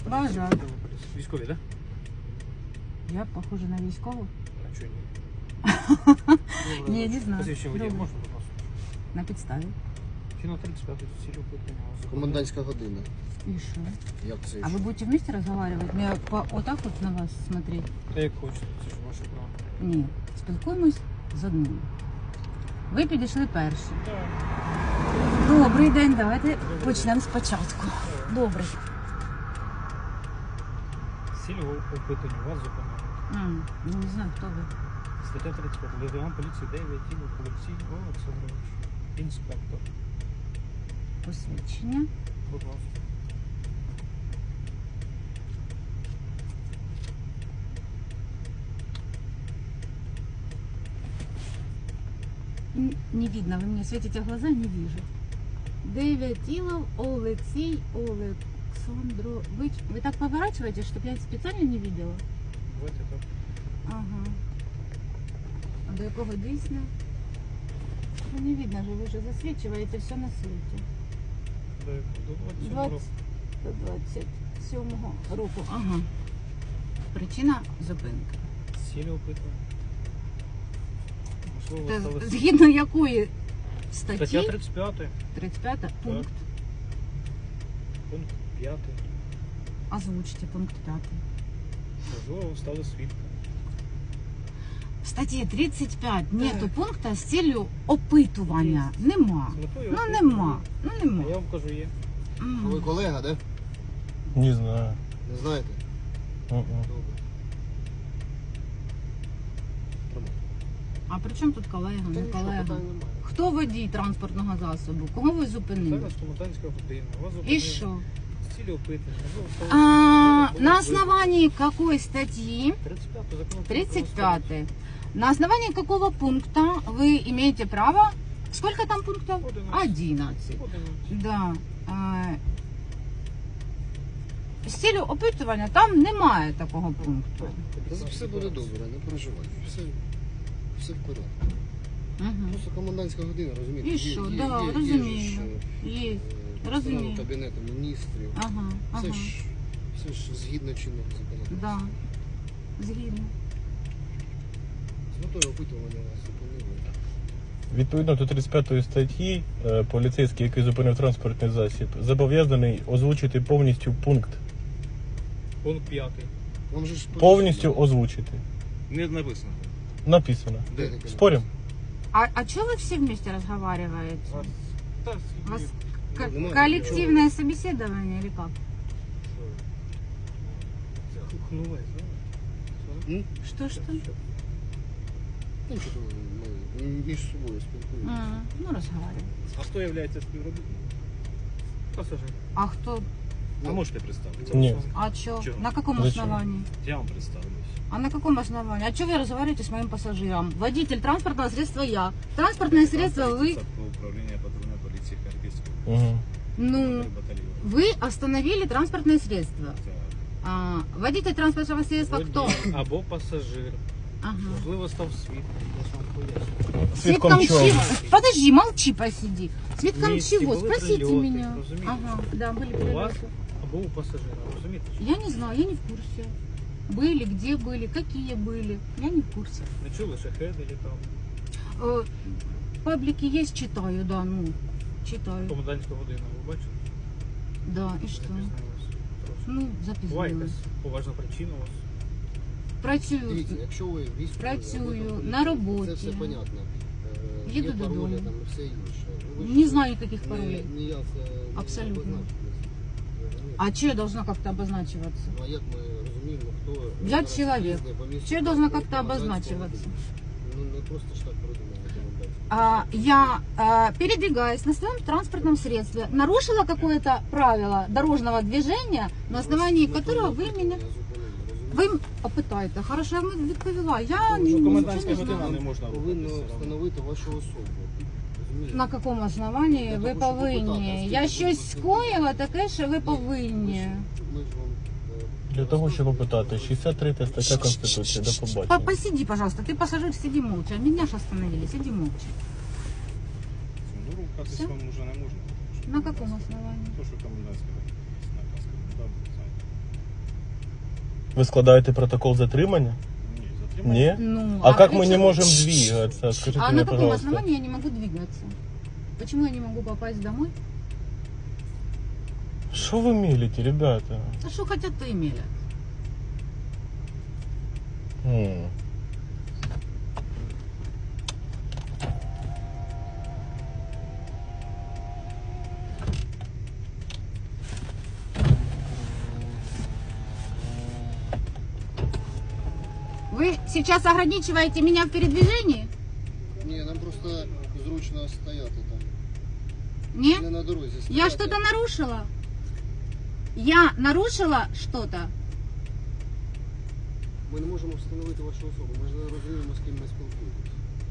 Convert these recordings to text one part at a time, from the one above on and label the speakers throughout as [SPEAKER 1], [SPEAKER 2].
[SPEAKER 1] Бажаю.
[SPEAKER 2] Військові, так?
[SPEAKER 1] Я похожа на військову?
[SPEAKER 2] А чого ні?
[SPEAKER 1] Ні, не знаю.
[SPEAKER 2] Посвідчення водія
[SPEAKER 1] Добре.
[SPEAKER 2] можна, будь ласка?
[SPEAKER 1] На підставі.
[SPEAKER 2] Кіно 35 цілі опитання.
[SPEAKER 3] Комендантська година.
[SPEAKER 1] И что?
[SPEAKER 3] Як це?
[SPEAKER 1] А вы будете вместе разговаривать? Мне вот так вот на вас смотреть?
[SPEAKER 2] Та як хочете, це ж ваше право.
[SPEAKER 1] Ні. Спілкуємось з одним. Ви підійшли перші.
[SPEAKER 2] Так.
[SPEAKER 1] Добрий день, давайте почнемо спочатку. Добрий.
[SPEAKER 2] Цілі опитання вас зупиняють.
[SPEAKER 1] Ну, не знаю, хто ви.
[SPEAKER 2] Стаття 35. Лейтенант поліції 9 Олексій Олександрович. Інспектор.
[SPEAKER 1] Посвідчення.
[SPEAKER 2] Будь ласка.
[SPEAKER 1] Не видно, вы мне светите в глаза, не вижу. Девятилов Алексей Александрович. Вы так поворачиваете, чтобы я специально не видела?
[SPEAKER 2] Давайте так.
[SPEAKER 1] Ага. А до якого дійсно? Ну, не видно же, ви вже засвічуєте все на світі.
[SPEAKER 2] До 27 року.
[SPEAKER 1] 27 року. Ага. Причина зупинки.
[SPEAKER 2] Цілі опитування. Можливо,
[SPEAKER 1] Та
[SPEAKER 2] стали...
[SPEAKER 1] згідно якої статті?
[SPEAKER 2] Стаття 35.
[SPEAKER 1] 35 пункт.
[SPEAKER 2] Пункт 5.
[SPEAKER 1] Озвучте пункт 5.
[SPEAKER 2] Можливо, ви стали свідком.
[SPEAKER 1] В статті 35 нету пункту з цілею опитування. Нема.
[SPEAKER 2] З метою
[SPEAKER 1] Ну
[SPEAKER 2] опитування.
[SPEAKER 1] нема. Ну
[SPEAKER 2] А
[SPEAKER 1] нема.
[SPEAKER 2] я вам кажу, є.
[SPEAKER 3] Ви колега, да?
[SPEAKER 4] Не знаю.
[SPEAKER 3] Не знаєте?
[SPEAKER 4] Мгм.
[SPEAKER 3] Добре. Тримай.
[SPEAKER 1] А при чому тут колега,
[SPEAKER 3] Та
[SPEAKER 1] не
[SPEAKER 3] нічого,
[SPEAKER 1] колега?
[SPEAKER 3] питань немає.
[SPEAKER 1] Хто водій транспортного засобу? Кого ви зупинили?
[SPEAKER 2] Зараз комендантська година. Вас
[SPEAKER 1] І
[SPEAKER 2] зупинили.
[SPEAKER 1] що?
[SPEAKER 2] З цілі опитування. Можливо, стали
[SPEAKER 1] А,
[SPEAKER 2] свідком.
[SPEAKER 1] на основании какой статьи?
[SPEAKER 2] 35 закон.
[SPEAKER 1] 35. На основании какого пункта вы имеете право? Сколько там пунктов? 11. Да. З цілею опитування там немає такого пункту.
[SPEAKER 3] Та все буде добре, не переживайте. Все в порядку.
[SPEAKER 1] Угу.
[SPEAKER 3] Просто комендантська година, розумієте?
[SPEAKER 1] І що? Да, розумію. Є. Розумію.
[SPEAKER 3] Кабінету міністрів.
[SPEAKER 1] Ага, ага.
[SPEAKER 3] Все ж згідно чинного законодавства.
[SPEAKER 1] Да. Згідно.
[SPEAKER 3] З метою опитування вас зупинили.
[SPEAKER 4] Відповідно до 35 статті, поліцейський, який зупинив транспортний засіб, зобов'язаний озвучити повністю пункт.
[SPEAKER 2] Пункт 5.
[SPEAKER 3] Вам же ж
[SPEAKER 4] Повністю озвучити.
[SPEAKER 2] Не написано.
[SPEAKER 4] Написано.
[SPEAKER 3] Де таке?
[SPEAKER 4] Спорим?
[SPEAKER 1] А что вы все вместе разговариваете?
[SPEAKER 2] Та,
[SPEAKER 1] У вас
[SPEAKER 3] Ну,
[SPEAKER 1] коллективное собеседование или как?
[SPEAKER 2] Хнули, знаєш?
[SPEAKER 1] Что?
[SPEAKER 3] Ну, що ми між собою спілкуємося.
[SPEAKER 1] Ну, разговариваем.
[SPEAKER 2] А хто є співробітником? Пасажир.
[SPEAKER 1] А кто?
[SPEAKER 2] А можете представитися?
[SPEAKER 4] Ні.
[SPEAKER 1] А чё?
[SPEAKER 2] Чё?
[SPEAKER 1] На каком
[SPEAKER 4] Зачем?
[SPEAKER 1] основании?
[SPEAKER 2] Я вам представлюсь.
[SPEAKER 1] А на каком основании? А что вы разговариваете с моим пассажиром? Водитель транспортного средства я. Транспортное средство вы...
[SPEAKER 2] Управління патрульної поліції Харківської
[SPEAKER 4] Угу.
[SPEAKER 1] Ну,
[SPEAKER 2] батальйону.
[SPEAKER 1] вы остановили транспортное средство. А, водитель транспортного средства кто?
[SPEAKER 2] Або пасажир.
[SPEAKER 1] Ага.
[SPEAKER 2] Можливо, став свідком. Я ж вам поясню.
[SPEAKER 4] Свідком чого?
[SPEAKER 1] чего? Подожди, молчи, посиди. Свидком
[SPEAKER 2] Вместе
[SPEAKER 1] чего?
[SPEAKER 2] были
[SPEAKER 1] Спросите
[SPEAKER 2] прилеты,
[SPEAKER 1] меня.
[SPEAKER 2] разумеете?
[SPEAKER 1] Ага, да, были
[SPEAKER 2] У вас
[SPEAKER 1] прилеты.
[SPEAKER 2] або у пасажира, розумієте?
[SPEAKER 1] Я не знаю, я не в курсе. Были, где были, какие были. Я не в курсе.
[SPEAKER 2] Не чули, шахеди літав.
[SPEAKER 1] Паблики есть, читаю, да, ну, читаю.
[SPEAKER 2] Комендантська година, ви бачите?
[SPEAKER 1] Да, и что?
[SPEAKER 2] Запізнилися трошки.
[SPEAKER 1] Ну,
[SPEAKER 2] Буває
[SPEAKER 1] запізнилась.
[SPEAKER 2] якась поважна причина у вас.
[SPEAKER 1] Працюю.
[SPEAKER 3] Дивіться, якщо ви військові,
[SPEAKER 1] Працюю,
[SPEAKER 3] або там
[SPEAKER 1] на
[SPEAKER 3] поліцейські,
[SPEAKER 1] роботі.
[SPEAKER 3] Це все понятно.
[SPEAKER 1] Їду
[SPEAKER 3] Є паролі
[SPEAKER 1] додому.
[SPEAKER 3] там і все інше. Ви
[SPEAKER 1] Не
[SPEAKER 3] ж
[SPEAKER 1] знаю никаких паролей.
[SPEAKER 3] ніяк не
[SPEAKER 1] Абсолютно.
[SPEAKER 3] обозначились.
[SPEAKER 1] А что я должна как-то обозначиваться?
[SPEAKER 3] Ну, а як ми розуміємо, хто...
[SPEAKER 1] Я
[SPEAKER 3] зараз
[SPEAKER 1] чоловік.
[SPEAKER 3] їздить по місту
[SPEAKER 1] Що я должна
[SPEAKER 3] транспорту,
[SPEAKER 1] как-то
[SPEAKER 3] комендантського
[SPEAKER 1] обозначиваться?
[SPEAKER 3] години? Ну, не просто ж так придумали комендантську.
[SPEAKER 1] Я, передвигаясь на своем транспортном средстве, нарушила какое-то правило дорожного движения, на основании которого вы меня... Ви опитаєте. Хорошо, я вам відповіла. Я
[SPEAKER 2] Що
[SPEAKER 1] нічого
[SPEAKER 2] комендантська
[SPEAKER 1] не
[SPEAKER 2] година
[SPEAKER 1] знаю.
[SPEAKER 2] не можна
[SPEAKER 3] Повинно
[SPEAKER 2] рухатися.
[SPEAKER 3] встановити вашу особу. Розумієте?
[SPEAKER 1] На якому основанні
[SPEAKER 3] Я
[SPEAKER 1] ви
[SPEAKER 3] хочу попитати,
[SPEAKER 1] повинні?
[SPEAKER 3] а
[SPEAKER 1] Я
[SPEAKER 3] скільки
[SPEAKER 1] щось
[SPEAKER 3] ви
[SPEAKER 1] скоїла таке, що ви
[SPEAKER 3] Ні,
[SPEAKER 1] повинні.
[SPEAKER 3] Ми ж вам...
[SPEAKER 4] Для того, щоб опитати, 63 стаття Конституції. До побачення.
[SPEAKER 1] Посиди, пожалуйста. Ты пассажир, сиди молча. Меня же остановили, сиди молча.
[SPEAKER 2] Ну, рухатись
[SPEAKER 1] Все?
[SPEAKER 2] вам вже не можна.
[SPEAKER 1] На каком основании?
[SPEAKER 2] То, що комендантська година. Наказ коменданта, знаєте.
[SPEAKER 4] Ви складаєте протокол затримання? Ні?
[SPEAKER 1] Ну,
[SPEAKER 4] А как
[SPEAKER 1] при
[SPEAKER 4] мы не
[SPEAKER 1] чем-
[SPEAKER 4] можем двигаться? Скажите
[SPEAKER 1] А
[SPEAKER 4] мне,
[SPEAKER 1] на каком
[SPEAKER 4] пожалуйста.
[SPEAKER 1] основании я не могу двигаться? Почему я не могу попасть домой?
[SPEAKER 4] Что вы мелите, ребята?
[SPEAKER 1] А что хотят, то и мелят.
[SPEAKER 4] М.
[SPEAKER 1] Вы сейчас ограничиваете меня в передвижении?
[SPEAKER 3] Ні, нам просто зручно стояти там.
[SPEAKER 1] Нет?
[SPEAKER 3] Не на дорозі стояти.
[SPEAKER 1] Я что-то нарушила? Я нарушила что-то?
[SPEAKER 3] Ми не можемо встановити вашу особу. Ми ж не розуміємо, з ким ми спілкуємося.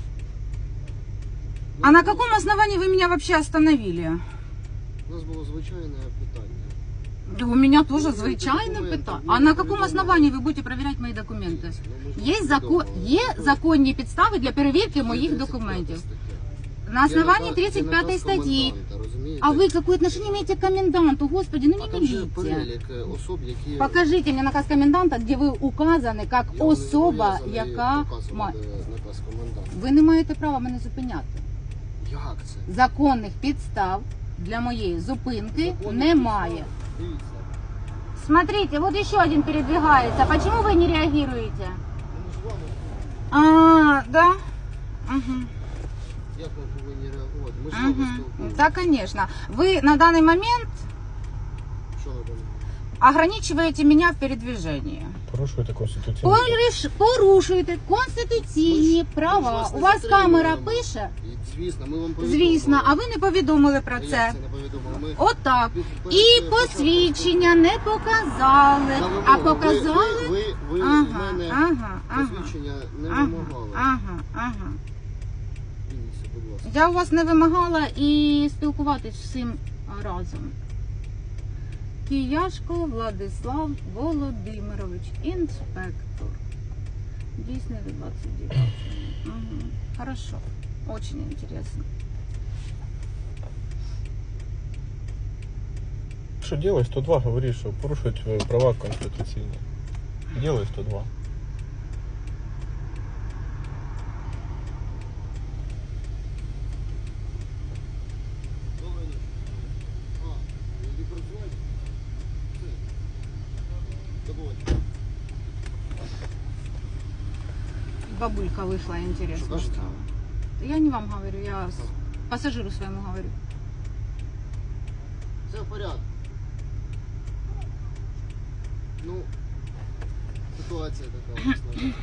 [SPEAKER 1] А на каком основании вы меня вообще остановили?
[SPEAKER 3] У нас було звичайне питання.
[SPEAKER 1] Да у меня тоже
[SPEAKER 3] Ну,
[SPEAKER 1] звичайно
[SPEAKER 3] документы.
[SPEAKER 1] питання.
[SPEAKER 3] Ну,
[SPEAKER 1] А на каком
[SPEAKER 3] повідомлення.
[SPEAKER 1] основании вы будете проверять мои документы?
[SPEAKER 3] Ну, ми ж
[SPEAKER 1] Є,
[SPEAKER 3] вам
[SPEAKER 1] закон,
[SPEAKER 3] повідомили.
[SPEAKER 1] є законні підстави для перевірки моїх
[SPEAKER 3] 35
[SPEAKER 1] документів.
[SPEAKER 3] стаття.
[SPEAKER 1] На основании
[SPEAKER 3] Є
[SPEAKER 1] 35
[SPEAKER 3] наказ
[SPEAKER 1] статьи.
[SPEAKER 3] коменданта, розумієте?
[SPEAKER 1] А вы какое отношение имеете к коменданту? Господи, ну
[SPEAKER 3] А
[SPEAKER 1] не
[SPEAKER 3] там же
[SPEAKER 1] милите.
[SPEAKER 3] перелік особ, які...
[SPEAKER 1] Покажите мне наказ коменданта, где ви указані як
[SPEAKER 3] Я вам не
[SPEAKER 1] особа,
[SPEAKER 3] зобов'язаний
[SPEAKER 1] яка
[SPEAKER 3] показувати
[SPEAKER 1] має.
[SPEAKER 3] наказ коменданта.
[SPEAKER 1] Ви не маєте права мене зупиняти.
[SPEAKER 3] Як це?
[SPEAKER 1] Законних підстав для моєї зупинки
[SPEAKER 3] Законних
[SPEAKER 1] немає.
[SPEAKER 3] підстав. Дивіться.
[SPEAKER 1] Смотрите, вот еще один передвигается. Почему вы не реагируете?
[SPEAKER 3] Ми ж вами,
[SPEAKER 1] А, да? Угу.
[SPEAKER 3] як ми повинні реагувати? Ми ж з вами
[SPEAKER 1] Угу.
[SPEAKER 3] спілкуємося.
[SPEAKER 1] Да, конечно. Вы на данный момент
[SPEAKER 3] Що на даний?
[SPEAKER 1] ограничиваете меня в передвижении.
[SPEAKER 4] Порушуєте конституційну.
[SPEAKER 1] Порушуєте конституційні
[SPEAKER 3] Ми ж
[SPEAKER 1] права.
[SPEAKER 3] вас
[SPEAKER 1] У
[SPEAKER 3] не
[SPEAKER 1] вас камера
[SPEAKER 3] затримуємо.
[SPEAKER 1] пише?
[SPEAKER 3] І, звісно, ми вам повідомили.
[SPEAKER 1] Звісно, а ви не повідомили про
[SPEAKER 3] А як
[SPEAKER 1] це.
[SPEAKER 3] це не повідомили? Ми
[SPEAKER 1] Отак.
[SPEAKER 3] перед
[SPEAKER 1] І
[SPEAKER 3] початком
[SPEAKER 1] посвідчення не показали,
[SPEAKER 3] на
[SPEAKER 1] а
[SPEAKER 3] вимогу.
[SPEAKER 1] показали.
[SPEAKER 3] Ви в
[SPEAKER 1] Ага,
[SPEAKER 3] мене
[SPEAKER 1] ага, ага.
[SPEAKER 3] посвідчення не
[SPEAKER 1] Ага,
[SPEAKER 3] вимагали.
[SPEAKER 1] ага.
[SPEAKER 3] Дивіться, будь ласка.
[SPEAKER 1] Я у вас не вимагала і спілкуватись всім разом. Кияшко Владислав Володимирович, інспектор. Дійсний від 29. Угу. Хорошо. Очень интересно.
[SPEAKER 4] Що делай 102, говориш, що порушують права конституційні. Делай 102.
[SPEAKER 3] Добрий день. А, ви працюєте? Все. До побачення.
[SPEAKER 1] Бабулька вышла, интересно
[SPEAKER 3] Что кажете?
[SPEAKER 1] стало. Я не вам говорю, я пассажиру своему говорю.
[SPEAKER 3] Все в порядку. Ну, ситуація така у нас, на жаль.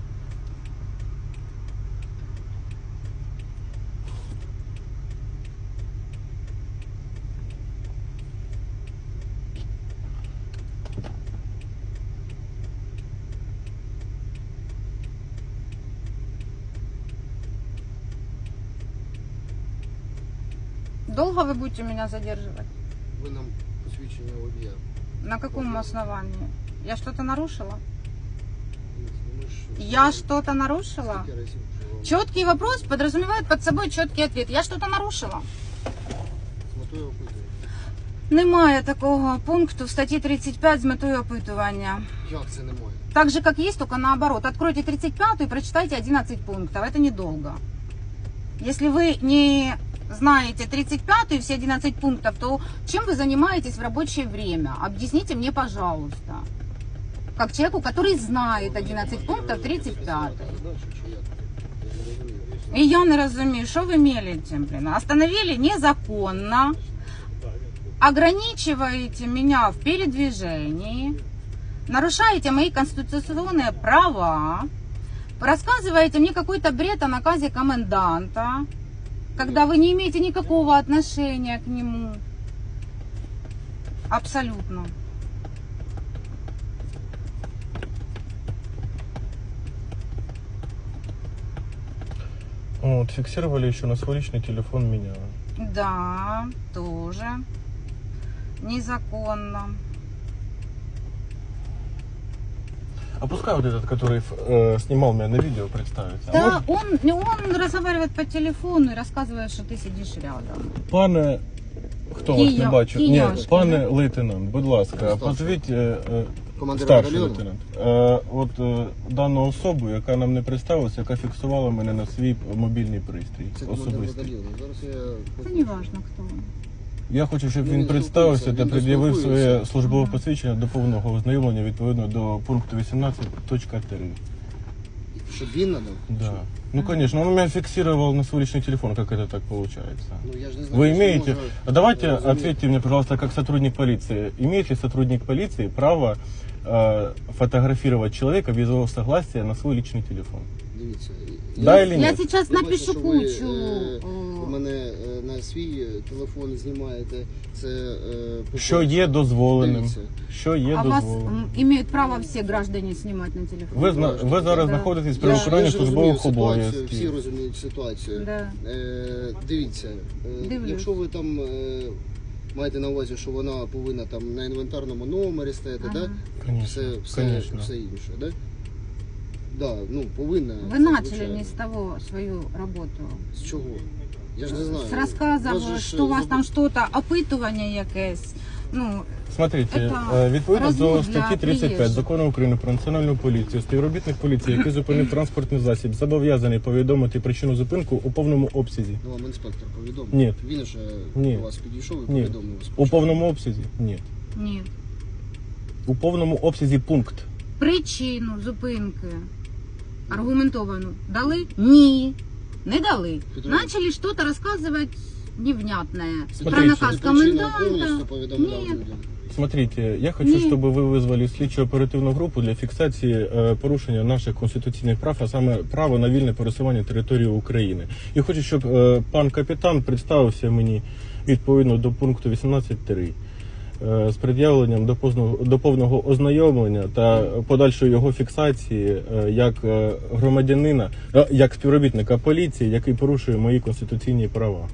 [SPEAKER 1] Долго вы будете меня задерживать?
[SPEAKER 3] Ви нам посвідчення водія.
[SPEAKER 1] На каком основании? Я что-то нарушила?
[SPEAKER 3] Ми ж-
[SPEAKER 1] Я что-то нарушила?
[SPEAKER 3] Скільки разів вже вам
[SPEAKER 1] Четкий вопрос подразумевает под собой четкий ответ. Я что-то нарушила?
[SPEAKER 3] з метою опитування?
[SPEAKER 1] Немає такого пункту в статті 35 з метою опитування.
[SPEAKER 3] Як це немає?
[SPEAKER 1] Так же, как есть, только наоборот. Откройте 35 и прочитайте 11 пунктов. Это недолго. Если вы не знаете 35 и все 11 пунктов, то чем вы занимаетесь в рабочее время? Объясните мне, пожалуйста. Как человеку, который знает 11 пунктов 35.
[SPEAKER 3] Задачу чи як? Я не розумію.
[SPEAKER 1] И я не разумею, что вы мелите, блин. Остановили незаконно. Ограничиваете меня в передвижении. Нарушаете мои конституционные права. Рассказываете мне какой-то бред о наказе коменданта, когда вы не имеете никакого отношения к нему. Абсолютно.
[SPEAKER 4] Вот, фиксировали еще на свой личный телефон меня.
[SPEAKER 1] Да, тоже. Незаконно.
[SPEAKER 4] А пускай вот этот, который снимал меня на видео, представится.
[SPEAKER 1] Да, он разговаривает по телефону и рассказывает, что ты сидишь рядом.
[SPEAKER 4] Пане, хто вас не бачив? Ні,
[SPEAKER 1] Кияшко,
[SPEAKER 4] пане
[SPEAKER 1] да?
[SPEAKER 4] лейтенант, будь ласка,
[SPEAKER 3] Старший.
[SPEAKER 4] позвіть
[SPEAKER 3] Командир
[SPEAKER 4] Старший
[SPEAKER 3] батальйону?
[SPEAKER 4] лейтенант. Дану особу, яка нам не представилася, яка фіксувала мене на свій мобільний пристрій.
[SPEAKER 3] Це командир
[SPEAKER 4] Особистий.
[SPEAKER 3] батальйону. Зараз я...
[SPEAKER 1] Это не важно, кто он.
[SPEAKER 4] Я хочу, щоб
[SPEAKER 3] Ну,
[SPEAKER 4] він
[SPEAKER 3] він
[SPEAKER 4] представився
[SPEAKER 3] спілкується,
[SPEAKER 4] та
[SPEAKER 3] він
[SPEAKER 4] пред'явив
[SPEAKER 3] спілкується.
[SPEAKER 4] своє службове посвідчення до повного ознайомлення відповідно до пункту 18.3.
[SPEAKER 3] Щоб він надав?
[SPEAKER 4] Да. Ну, конечно, он меня фиксировал на свой личный телефон, как это так получается?
[SPEAKER 3] Ну, я ж не знаю,
[SPEAKER 4] Вы
[SPEAKER 3] що
[SPEAKER 4] имеете,
[SPEAKER 3] може-
[SPEAKER 4] давайте
[SPEAKER 3] розумієте.
[SPEAKER 4] ответьте мне, пожалуйста, как сотрудник полиции, имеет ли сотрудник полиции право фотографировать человека без его согласия на свой личный телефон?
[SPEAKER 3] Дивіться.
[SPEAKER 4] Да
[SPEAKER 3] я-
[SPEAKER 4] или
[SPEAKER 1] Я
[SPEAKER 4] нет?
[SPEAKER 1] сейчас
[SPEAKER 3] Я бачу,
[SPEAKER 1] напишу
[SPEAKER 3] що ви,
[SPEAKER 1] кучу.
[SPEAKER 3] у мене на свій телефон знімаєте. Це по-перше.
[SPEAKER 4] Що є дозволеним?
[SPEAKER 3] Дивіться.
[SPEAKER 4] Що є
[SPEAKER 1] А вас
[SPEAKER 4] дозволеним?
[SPEAKER 1] имеют право все граждане снимать на телефон?
[SPEAKER 4] Ви зараз
[SPEAKER 1] Да.
[SPEAKER 4] знаходитесь при
[SPEAKER 3] Я
[SPEAKER 4] виконанні
[SPEAKER 3] ж розумію
[SPEAKER 4] службових
[SPEAKER 3] ситуацію, всі
[SPEAKER 4] обов'язків.
[SPEAKER 3] розуміють ситуацію.
[SPEAKER 1] Да.
[SPEAKER 3] Дивіться,
[SPEAKER 1] Дивлюсь.
[SPEAKER 3] якщо ви там маєте на увазі, що вона повинна там на інвентарному номері стояти,
[SPEAKER 1] Ага.
[SPEAKER 3] да?
[SPEAKER 4] Конечно,
[SPEAKER 3] все
[SPEAKER 4] конечно.
[SPEAKER 3] інше, да? Да, ну, повинна.
[SPEAKER 1] Вы
[SPEAKER 3] це,
[SPEAKER 1] начали
[SPEAKER 3] звичайно.
[SPEAKER 1] не с того свою работу.
[SPEAKER 3] З чого? Я ж не знаю.
[SPEAKER 1] С рассказов,
[SPEAKER 3] Вас же ж,
[SPEAKER 1] что у вас
[SPEAKER 3] забу-
[SPEAKER 1] там что-то, опитування якесь. Ну,
[SPEAKER 4] Смотрите,
[SPEAKER 1] Это
[SPEAKER 4] відповідно до
[SPEAKER 1] розвод
[SPEAKER 4] статті
[SPEAKER 1] для
[SPEAKER 4] 35
[SPEAKER 1] приїжджих.
[SPEAKER 4] Закону України про національну поліцію, співробітник поліції, який зупинив транспортний засіб, зобов'язаний повідомити причину зупинку у повному обсязі.
[SPEAKER 3] Ну, вам інспектор повідомив.
[SPEAKER 4] Ні.
[SPEAKER 3] Він же
[SPEAKER 4] Ні.
[SPEAKER 3] до вас підійшов і
[SPEAKER 4] Ні.
[SPEAKER 3] повідомив.
[SPEAKER 4] У
[SPEAKER 3] спочатку.
[SPEAKER 4] повному обсязі? Ні.
[SPEAKER 1] ні.
[SPEAKER 4] У повному обсязі пункт.
[SPEAKER 1] Причину зупинки аргументовану дали? Ні. Не дали.
[SPEAKER 3] Петрович.
[SPEAKER 1] Начали что-то рассказывать невнятное.
[SPEAKER 4] Смотрите,
[SPEAKER 1] Про наказ
[SPEAKER 3] Причину
[SPEAKER 1] коменданта.
[SPEAKER 3] повністю повідомляв
[SPEAKER 1] Ні.
[SPEAKER 3] людям.
[SPEAKER 4] Смотрите, я хочу,
[SPEAKER 1] Ні.
[SPEAKER 4] щоб ви визвали слідчу оперативну групу для фіксації порушення наших конституційних прав, а саме право на вільне пересування території України. І хочу, щоб пан капітан представився мені відповідно до пункту 18.3 з пред'явленням до повного ознайомлення та подальшої його фіксації як громадянина, як співробітника поліції, який порушує мої конституційні права.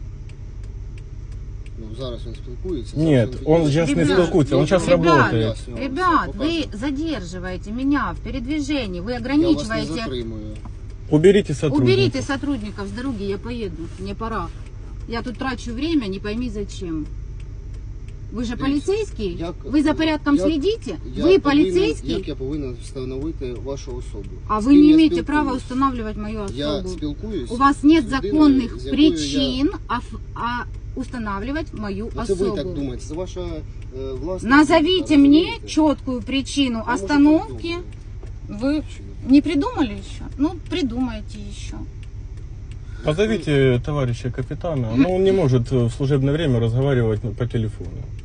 [SPEAKER 3] Ну, зараз він спілкується.
[SPEAKER 4] Ні,
[SPEAKER 3] зараз
[SPEAKER 4] он
[SPEAKER 3] підійде.
[SPEAKER 4] зараз не
[SPEAKER 1] Ребят,
[SPEAKER 4] спілкується, він зараз
[SPEAKER 1] ребят,
[SPEAKER 4] працює.
[SPEAKER 1] Ребят, вы задерживаете меня в передвижении, вы
[SPEAKER 3] Я вас не
[SPEAKER 1] ограничиваете.
[SPEAKER 3] затримую.
[SPEAKER 4] Уберите сотрудника.
[SPEAKER 1] Уберите сотрудников с дороги, я поеду, мне пора. Я тут трачу время, не пойми зачем. Вы же полицейский? Вы за порядком следите? Вы полицейский?
[SPEAKER 3] Як я повинен встановити вашу особу?
[SPEAKER 1] А
[SPEAKER 3] З
[SPEAKER 1] вы
[SPEAKER 3] ким
[SPEAKER 1] не
[SPEAKER 3] я
[SPEAKER 1] имеете
[SPEAKER 3] спілкуюсь?
[SPEAKER 1] права устанавливать мою
[SPEAKER 3] Я
[SPEAKER 1] особу.
[SPEAKER 3] спілкуюсь.
[SPEAKER 1] У вас нет
[SPEAKER 3] з людиною,
[SPEAKER 1] законных
[SPEAKER 3] з якою
[SPEAKER 1] причин устанавливать мою
[SPEAKER 3] Ну, це ви так
[SPEAKER 1] особу.
[SPEAKER 3] думаєте, це ваша власна...
[SPEAKER 1] Назовите
[SPEAKER 3] думка,
[SPEAKER 1] мне
[SPEAKER 3] розумієте?
[SPEAKER 1] четкую причину
[SPEAKER 3] Я, може,
[SPEAKER 1] остановки.
[SPEAKER 3] придумаю.
[SPEAKER 1] Вы не придумали еще? Ну, придумайте еще.
[SPEAKER 4] Позовите товарища капитана, но он не может в служебное время разговаривать по телефону.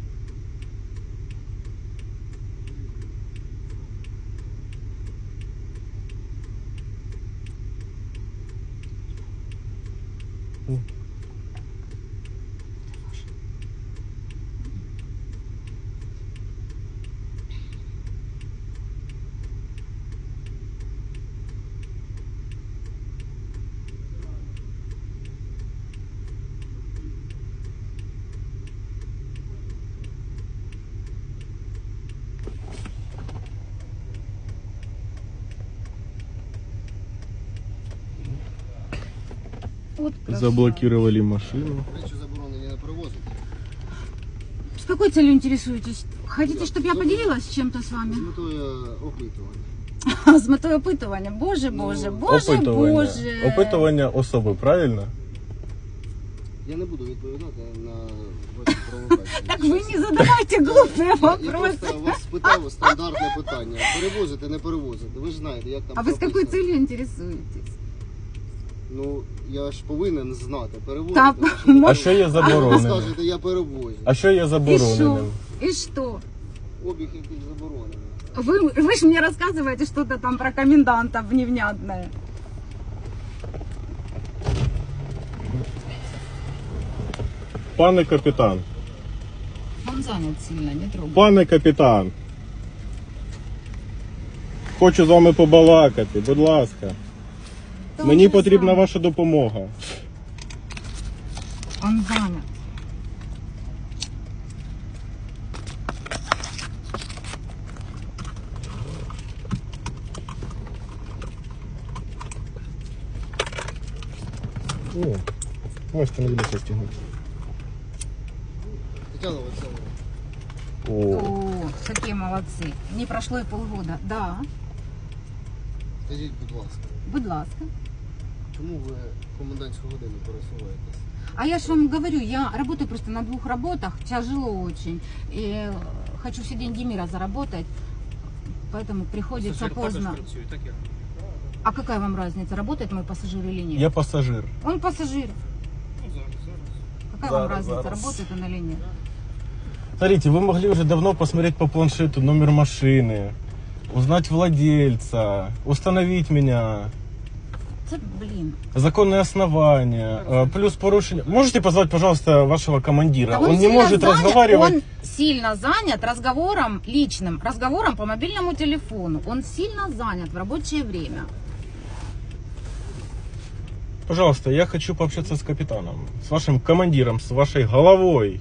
[SPEAKER 1] Вот красава.
[SPEAKER 4] Заблокировали машину.
[SPEAKER 3] Речі заборонені не перевозити.
[SPEAKER 1] С какой целью интересуетесь? Хотите, чтобы я поделилась чем-то с вами?
[SPEAKER 3] З метою опитування.
[SPEAKER 1] С метою опитування. Боже, боже, боже,
[SPEAKER 4] Опитування.
[SPEAKER 1] боже.
[SPEAKER 4] Опитування особи, правильно?
[SPEAKER 3] Я не буду відповідати на ваші провокації.
[SPEAKER 1] Так вы не задавайте глупые
[SPEAKER 3] Я
[SPEAKER 1] вопросы.
[SPEAKER 3] просто вас спитав стандартне питання. Перевозити, не перевозити. Ви ж знаєте, як там
[SPEAKER 1] А вы с какой
[SPEAKER 3] прописано.
[SPEAKER 1] целью интересуетесь?
[SPEAKER 3] Ну, я ж повинен знати, перевозити.
[SPEAKER 1] Та,
[SPEAKER 3] чи не
[SPEAKER 1] ну,
[SPEAKER 4] А що є
[SPEAKER 3] Ви
[SPEAKER 4] забороненим?
[SPEAKER 3] скажете, я перевозю.
[SPEAKER 4] А що є
[SPEAKER 1] И что?
[SPEAKER 4] забороненим?
[SPEAKER 1] И что?
[SPEAKER 3] Обіг якийсь заборонений.
[SPEAKER 1] Вы же мне рассказываете что-то там про коменданта невнятное.
[SPEAKER 4] Пане капітан,
[SPEAKER 1] Он занят сильно, не трогай.
[SPEAKER 4] пане капітан. Хочу з вами побалакати, будь ласка. Мені потрібна ваша допомога.
[SPEAKER 1] Он занят.
[SPEAKER 4] О, можете на відео стягнути.
[SPEAKER 3] Тетяна Васильівна,
[SPEAKER 4] О,
[SPEAKER 1] какие молодцы. Не прошло и полгода. Да,
[SPEAKER 3] Скажіть, будь ласка,
[SPEAKER 1] будь ласка.
[SPEAKER 3] чому ви комендантську годину пересуваєтесь?
[SPEAKER 1] А я же вам говорю, я работаю просто на 2 работах, тяжело очень. И хочу все деньги мира заработать, поэтому приходится
[SPEAKER 2] Пасажир також
[SPEAKER 1] поздно.
[SPEAKER 2] працює, так я.
[SPEAKER 1] А какая вам разница, работает мой пассажир или нет?
[SPEAKER 4] Я пасажир.
[SPEAKER 1] Он пассажир.
[SPEAKER 2] Ну, зараз.
[SPEAKER 1] Какая вам
[SPEAKER 4] Зараз,
[SPEAKER 1] разница,
[SPEAKER 4] зараз.
[SPEAKER 1] работает он или нет?
[SPEAKER 4] Смотрите, вы могли уже давно посмотреть по планшету номер машины, узнать владельца, установить меня,
[SPEAKER 1] Это, блин.
[SPEAKER 4] законные основания, плюс порушение. Можете позвать, пожалуйста, вашего командира?
[SPEAKER 1] Да
[SPEAKER 4] Он не
[SPEAKER 1] сильно
[SPEAKER 4] может
[SPEAKER 1] занят,
[SPEAKER 4] разговаривать.
[SPEAKER 1] Он сильно занят разговором личным, разговором по мобильному телефону. Он сильно занят в рабочее время.
[SPEAKER 4] Пожалуйста, я хочу пообщаться с капитаном, с вашим командиром, с вашей головой.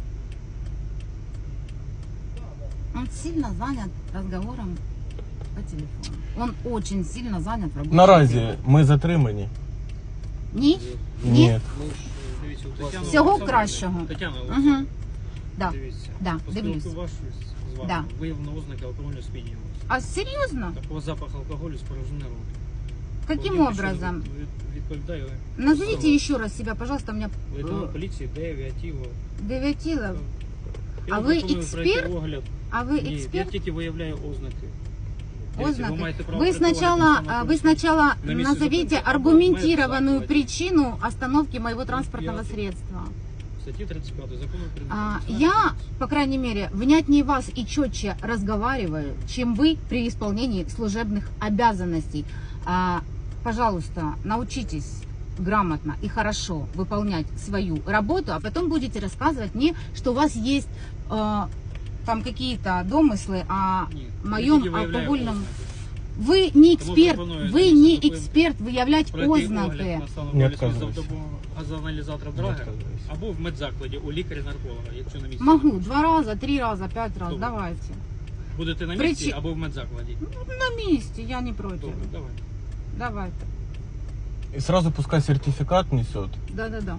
[SPEAKER 1] Он сильно занят разговором по телефону. Он очень сильно занят в рабочее
[SPEAKER 4] Наразі
[SPEAKER 1] время.
[SPEAKER 4] ми затримані?
[SPEAKER 1] Ні?
[SPEAKER 4] Ні.
[SPEAKER 3] Ми ж
[SPEAKER 2] Дивіться, у Тетяни
[SPEAKER 1] Всього
[SPEAKER 2] Олександрівни-
[SPEAKER 1] кращого.
[SPEAKER 2] Тетяна
[SPEAKER 1] Угу.
[SPEAKER 2] Олександрівна,
[SPEAKER 1] Да.
[SPEAKER 2] дивіться.
[SPEAKER 1] Да,
[SPEAKER 2] По
[SPEAKER 1] дивлюсь.
[SPEAKER 2] спілкувавшись з вами,
[SPEAKER 1] Да.
[SPEAKER 2] виявлено ознаки алкогольного сп'яніння.
[SPEAKER 1] А серьезно?
[SPEAKER 2] Такого запах алкоголю спорожнений рот.
[SPEAKER 1] Каким
[SPEAKER 2] Володимир, що
[SPEAKER 1] образом?
[SPEAKER 2] Відповідаю.
[SPEAKER 1] Назовите еще раз себя, пожалуйста, у меня
[SPEAKER 2] Лейтенант поліції Дев'ятіло.
[SPEAKER 1] Девятилов.
[SPEAKER 2] Я
[SPEAKER 1] А
[SPEAKER 2] вам
[SPEAKER 1] ви
[SPEAKER 2] пропоную пройти
[SPEAKER 1] експерт?
[SPEAKER 2] огляд.
[SPEAKER 1] А вы
[SPEAKER 2] Ні, я
[SPEAKER 1] эксперт?
[SPEAKER 2] тільки виявляю ознаки. Дивіться,
[SPEAKER 1] Ознаки.
[SPEAKER 2] маєте право
[SPEAKER 1] Вы
[SPEAKER 2] приховати
[SPEAKER 1] сначала,
[SPEAKER 2] конституційну
[SPEAKER 1] вы сначала
[SPEAKER 2] На месте
[SPEAKER 1] назовите
[SPEAKER 2] зупинки
[SPEAKER 1] аргументированную
[SPEAKER 2] або
[SPEAKER 1] причину остановки моего транспортного
[SPEAKER 2] Пятый.
[SPEAKER 1] средства.
[SPEAKER 2] статті 35 закону України.
[SPEAKER 1] Я, по крайней мере, внятнее вас и четче разговариваю, чем вы при исполнении служебных обязанностей. Пожалуйста, научитесь грамотно и хорошо выполнять свою работу, а потом будете рассказывать мне, что у вас есть там какие-то домыслы о
[SPEAKER 2] Ні,
[SPEAKER 1] моем
[SPEAKER 2] тільки виявляю
[SPEAKER 1] алкогольном.
[SPEAKER 2] ознаки.
[SPEAKER 1] Вы не
[SPEAKER 2] Тому
[SPEAKER 1] эксперт,
[SPEAKER 2] пропоную
[SPEAKER 1] вы
[SPEAKER 2] здесь
[SPEAKER 1] не
[SPEAKER 2] зупинити.
[SPEAKER 1] эксперт выявлять
[SPEAKER 2] Пройти
[SPEAKER 1] ознаки.
[SPEAKER 2] огляд на стан
[SPEAKER 4] Не
[SPEAKER 2] алкоголю
[SPEAKER 4] відказуюсь.
[SPEAKER 2] за допомогою газоаналізатора Драгера
[SPEAKER 4] відказуюсь.
[SPEAKER 2] або в медзакладі у лікаря-нарколога, якщо на місці.
[SPEAKER 1] Могу 2 раза, 3 раза, 5 раз,
[SPEAKER 2] Добре.
[SPEAKER 1] давайте.
[SPEAKER 2] Будете на місці
[SPEAKER 1] Причи-
[SPEAKER 2] або в медзакладі.
[SPEAKER 1] На месте, я не против.
[SPEAKER 2] Добре, давай.
[SPEAKER 1] Давайте.
[SPEAKER 4] И сразу пускай сертификат несет.
[SPEAKER 1] Да-да-да.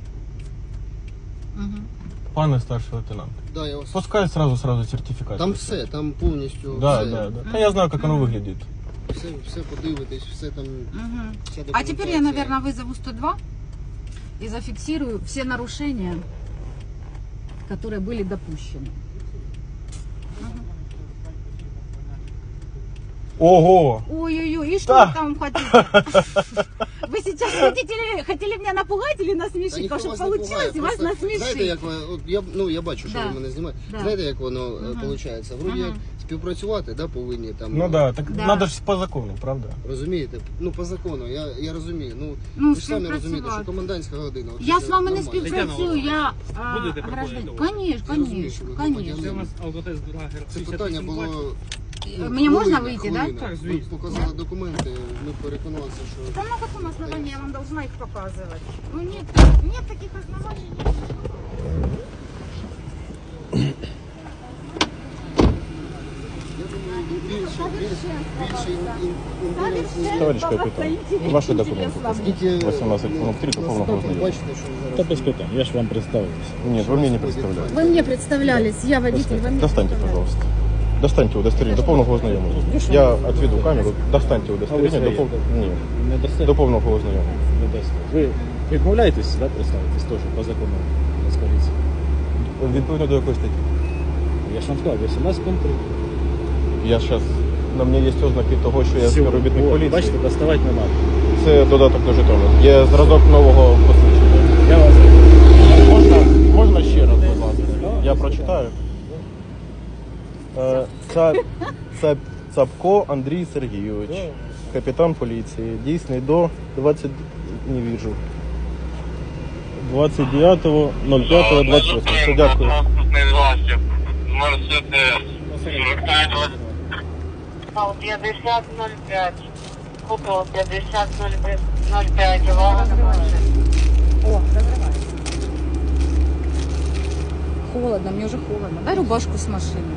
[SPEAKER 1] Угу.
[SPEAKER 4] Пане старший лейтенант.
[SPEAKER 3] Да, я вас...
[SPEAKER 4] Пускай сразу сертификат.
[SPEAKER 3] Там
[SPEAKER 4] несет.
[SPEAKER 3] все, там повністю
[SPEAKER 4] Да,
[SPEAKER 3] все,
[SPEAKER 4] да, да. Да я знаю, как оно выглядит.
[SPEAKER 3] все подивитесь, все там.
[SPEAKER 1] Угу.
[SPEAKER 3] Вся
[SPEAKER 1] А теперь я,
[SPEAKER 3] документація.
[SPEAKER 1] наверное, вызову 102 и зафиксирую все нарушения, которые были допущены.
[SPEAKER 4] Ого!
[SPEAKER 1] Ой-ой-ой, и что
[SPEAKER 4] Да.
[SPEAKER 1] вы там хотите? Вы сейчас хотели меня напугать или
[SPEAKER 3] Та
[SPEAKER 1] насмешить?
[SPEAKER 3] ніхто
[SPEAKER 1] Потому что
[SPEAKER 3] вас не
[SPEAKER 1] получилось
[SPEAKER 3] пугає,
[SPEAKER 1] вас
[SPEAKER 3] просто знаєте,
[SPEAKER 1] насмешить.
[SPEAKER 3] як ви, от я бачу, що
[SPEAKER 1] Да.
[SPEAKER 3] ви мене знімаєте.
[SPEAKER 1] Да.
[SPEAKER 3] Знаєте, як воно
[SPEAKER 1] Мгм.
[SPEAKER 3] виходить? Вроді як
[SPEAKER 1] Мгм.
[SPEAKER 3] співпрацювати, да, повинні там.
[SPEAKER 4] Ну да, так
[SPEAKER 1] Да.
[SPEAKER 4] надо же по закону, правда?
[SPEAKER 3] Розумієте? Ну по закону, я розумію. Ну
[SPEAKER 1] Ну,
[SPEAKER 3] ви ж самі розумієте, що
[SPEAKER 1] співпрацювати.
[SPEAKER 3] комендантська година. от
[SPEAKER 1] Я
[SPEAKER 3] це
[SPEAKER 1] с вами не
[SPEAKER 3] нормально.
[SPEAKER 1] співпрацюю, я
[SPEAKER 2] Будете
[SPEAKER 1] гражданин.
[SPEAKER 2] проходити?
[SPEAKER 1] Конечно,
[SPEAKER 3] Я розумію, що
[SPEAKER 1] конечно,
[SPEAKER 3] ви
[SPEAKER 2] Це у
[SPEAKER 1] конечно.
[SPEAKER 2] нас алкотест Драгер.
[SPEAKER 3] Це питання було.
[SPEAKER 1] Мне можно выйти, да?
[SPEAKER 2] Так,
[SPEAKER 3] Ви
[SPEAKER 2] звісно.
[SPEAKER 3] показали документи, ми переконалися, що
[SPEAKER 1] Да на каком основании я вам должна их показывать? Ну нет таких оснований.
[SPEAKER 3] я думаю, більше інтересні.
[SPEAKER 4] Товарищ капитан, ваши документы.
[SPEAKER 3] Скільки
[SPEAKER 4] 18.03 до повного ознайомлення.
[SPEAKER 3] бачите, що
[SPEAKER 5] Та
[SPEAKER 3] зараз.
[SPEAKER 5] без питань, я ж вам представився.
[SPEAKER 4] Нет, вы мне не представляете.
[SPEAKER 1] Вы мне представлялись, я водитель, вы мне
[SPEAKER 4] Достаньте,
[SPEAKER 1] представлялись.
[SPEAKER 4] пожалуйста. Достаньте удостоверение до повного ознайомлення. Я отведу камеру, достаньте удостоверение до повного... Ні,
[SPEAKER 5] Не дасте?
[SPEAKER 4] до повного ознайомлення.
[SPEAKER 5] Не дасте. Ви відмовляєтесь, да, представитись теж по закону з поліції?
[SPEAKER 4] Відповідно до якої статті?
[SPEAKER 5] Я ж вам сказав, 18 пункт 3.
[SPEAKER 4] Я зараз... На мені є ознаки того, що я співробітник
[SPEAKER 5] О,
[SPEAKER 4] поліції.
[SPEAKER 5] Бачите, доставати не треба.
[SPEAKER 4] Це додаток до жетону. Є зразок нового посвідчення.
[SPEAKER 5] Я вас...
[SPEAKER 4] Можна ще раз, будь ласка? Я прочитаю. Цапко Андрій Сергійович, капітан поліції, дійсний до 20... не вижу. 29.05.28. Все, дякую.
[SPEAKER 6] Транспортний засіб. Мерседес. 5005. Купил 5005. Увага на машину.
[SPEAKER 1] О, разрывается. Холодно, мне уже холодно. Дай рубашку с машины.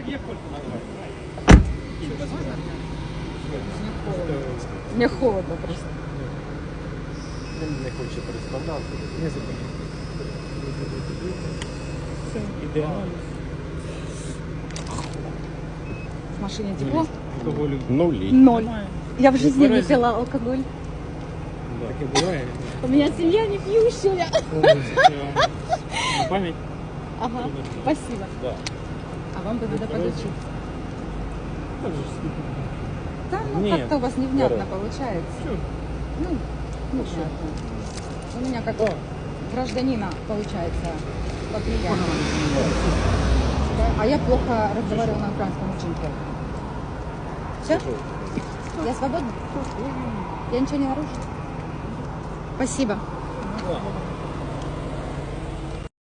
[SPEAKER 1] Мне холодно просто.
[SPEAKER 5] Він не хоче представлятися. Не зупиняйся.
[SPEAKER 2] Все, ідеально.
[SPEAKER 1] В машине тепло?
[SPEAKER 2] Алкоголю.
[SPEAKER 4] Нулі.
[SPEAKER 1] Ноль. Я в жизни не
[SPEAKER 2] тверезый?
[SPEAKER 1] пила алкоголь.
[SPEAKER 2] Таке буває.
[SPEAKER 1] У меня семья не пьющая.
[SPEAKER 2] На пам'ять.
[SPEAKER 1] Ага, спасибо.
[SPEAKER 5] Да.
[SPEAKER 1] А вам бы надо подучиться. Да, ну
[SPEAKER 2] Нет,
[SPEAKER 1] как-то у вас невнятно
[SPEAKER 5] здорово.
[SPEAKER 1] получается. Ну, невнятно. У меня как гражданина получается поприятнее. А я плохо разговариваю на украинском, очень плохо. Все? Я свободна? Я ничего не нарушила? Спасибо.
[SPEAKER 5] Да.